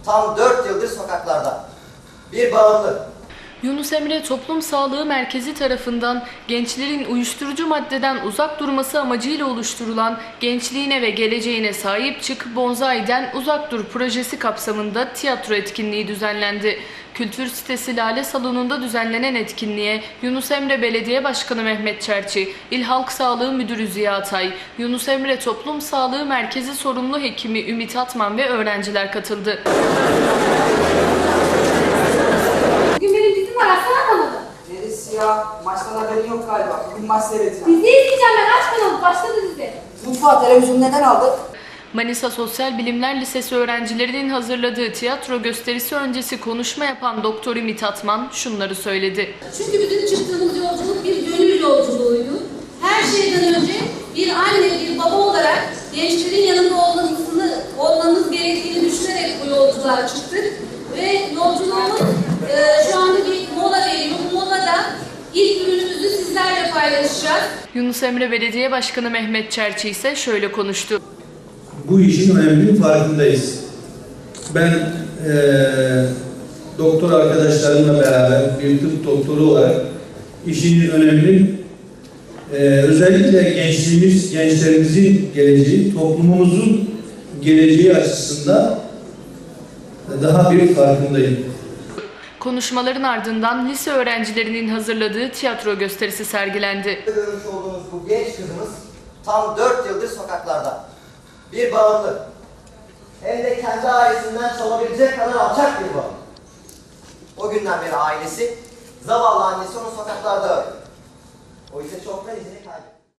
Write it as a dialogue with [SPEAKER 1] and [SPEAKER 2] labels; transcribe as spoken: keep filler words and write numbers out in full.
[SPEAKER 1] tam dört yıldır sokaklarda. Bir bağımlı.
[SPEAKER 2] Yunus Emre Toplum Sağlığı Merkezi tarafından gençlerin uyuşturucu maddeden uzak durması amacıyla oluşturulan Gençliğine ve Geleceğine Sahip Çık, Bonzai'den Uzak Dur projesi kapsamında tiyatro etkinliği düzenlendi. Kültür sitesi Lale Salonu'nda düzenlenen etkinliğe Yunus Emre Belediye Başkanı Mehmet Çerçi, İl Halk Sağlığı Müdürü Ziya Atay, Yunus Emre Toplum Sağlığı Merkezi sorumlu hekimi Ümit Atman ve öğrenciler katıldı.
[SPEAKER 3] Bugün benim dizim var, açsana kanalı.
[SPEAKER 4] Neresi ya? Maçtan haberin yok galiba. Bugün maç seyredeceğim.
[SPEAKER 3] Dizi izleyeceğim ben, aç kanalı, başladı dizi.
[SPEAKER 4] Mutfağı, televizyonu neden aldık?
[SPEAKER 2] Manisa Sosyal Bilimler Lisesi öğrencilerinin hazırladığı tiyatro gösterisi öncesi konuşma yapan Doktor Ümit Atman şunları söyledi.
[SPEAKER 5] Çünkü bütün çıktığımız yolculuk bir gönül yolculuğuydu. Her şeyden önce bir anne, bir baba olarak gençlerin yanında olmasını, olmamız gerektiğini düşünerek bu yolculuğa çıktık. Ve yolculuğumuz e, şu anda bir mola veriyor. Bu molada ilk ürünümüzü sizlerle paylaşacağız.
[SPEAKER 2] Yunus Emre Belediye Başkanı Mehmet Çerçi ise şöyle konuştu.
[SPEAKER 6] Bu işin öneminin farkındayız. Ben e, doktor arkadaşlarımla beraber bir tıp doktoru olarak işin öneminin e, özellikle gençliğimiz, gençlerimizin geleceği, toplumumuzun geleceği açısından daha bir farkındayım.
[SPEAKER 2] Konuşmaların ardından lise öğrencilerinin hazırladığı tiyatro gösterisi sergilendi.
[SPEAKER 1] Görmüş olduğunuz bu genç kızımız tam dört yıldır sokaklarda. Bir bağımlı. Hem de kendi ailesinden çalabilecek kadar alçak bir bağımlı. O günden beri ailesi, zavallı annesi onu sokaklarda arıyor. O ise çoktan izini kaybetti.